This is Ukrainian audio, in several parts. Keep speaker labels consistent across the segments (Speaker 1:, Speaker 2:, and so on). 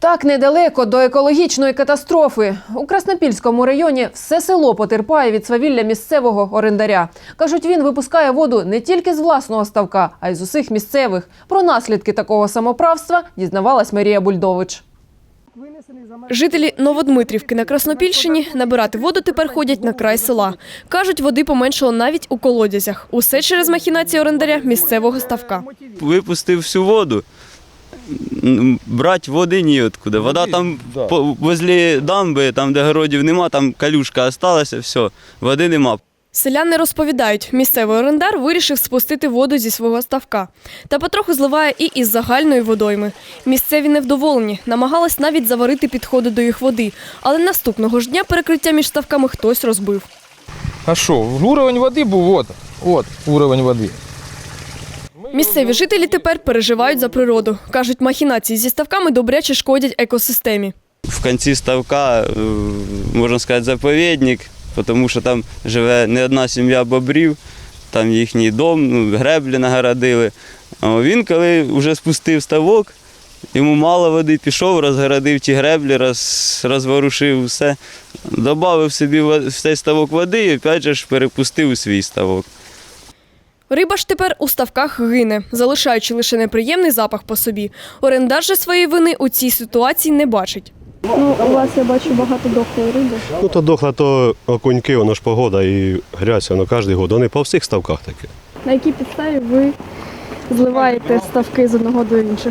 Speaker 1: Так недалеко до екологічної катастрофи. У Краснопільському районі все село потерпає від свавілля місцевого орендаря. Кажуть, він випускає воду не тільки з власного ставка, а й з усіх місцевих. Про наслідки такого самоправства дізнавалась Марія Бульдович.
Speaker 2: Жителі Новодмитрівки на Краснопільщині набирати воду тепер ходять на край села. Кажуть, води поменшало навіть у колодязях. Усе через махінації орендаря місцевого ставка.
Speaker 3: Випустив всю воду. Брати води ніоткуди. Вода там возле дамби, там де городів нема, там калюшка залишилася, все, води нема.
Speaker 2: Селяни розповідають, місцевий орендар вирішив спустити воду зі свого ставка. Та потроху зливає і із загальної водойми. Місцеві невдоволені, намагались навіть заварити підходи до їх води. Але наступного ж дня перекриття між ставками хтось розбив.
Speaker 4: А що, уровень води був, от уровень води.
Speaker 2: Місцеві жителі тепер переживають за природу. Кажуть, махінації зі ставками добряче шкодять екосистемі.
Speaker 3: В кінці ставка, можна сказати, заповідник, тому що там живе не одна сім'я бобрів, там їхній дом, греблі нагородили. А він, коли вже спустив ставок, йому мало води, пішов, розгородив ті греблі, розворушив все, додав собі в цей ставок води і опять же перепустив у свій ставок.
Speaker 2: Риба ж тепер у ставках гине, залишаючи лише неприємний запах по собі. Орендар же своєї вини у цій ситуації не бачить.
Speaker 5: У вас, я бачу, багато дохлої риби.
Speaker 6: То дохла, то окуньки, воно ж погода і грязь, воно кожен год. Вони по всіх ставках таке.
Speaker 5: На якій підставі ви зливаєте ставки з одного до інших?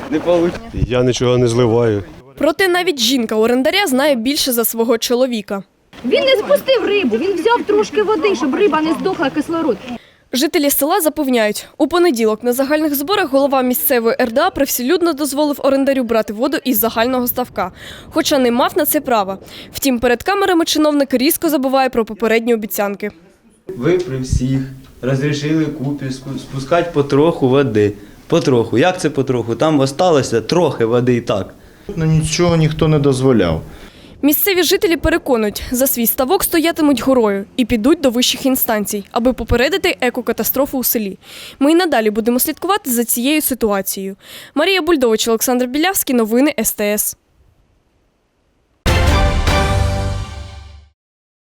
Speaker 6: Я нічого не зливаю.
Speaker 2: Проте навіть жінка орендаря знає більше за свого чоловіка.
Speaker 7: Він не спустив рибу, він взяв трошки води, щоб риба не здохла, кислород.
Speaker 2: Жителі села запевняють, у понеділок на загальних зборах голова місцевої РДА привселюдно дозволив орендарю брати воду із загального ставка, хоча не мав на це права. Втім, перед камерами чиновник різко забуває про попередні обіцянки.
Speaker 3: Ви при всіх розрішили купі спускати потроху води. Потроху. Як це потроху? Там залишилося трохи води і так.
Speaker 8: Нічого ніхто не дозволяв.
Speaker 2: Місцеві жителі переконують, за свій ставок стоятимуть горою і підуть до вищих інстанцій, аби попередити екокатастрофу у селі. Ми й надалі будемо слідкувати за цією ситуацією. Марія Бульдович, Олександр Білявський, новини СТС.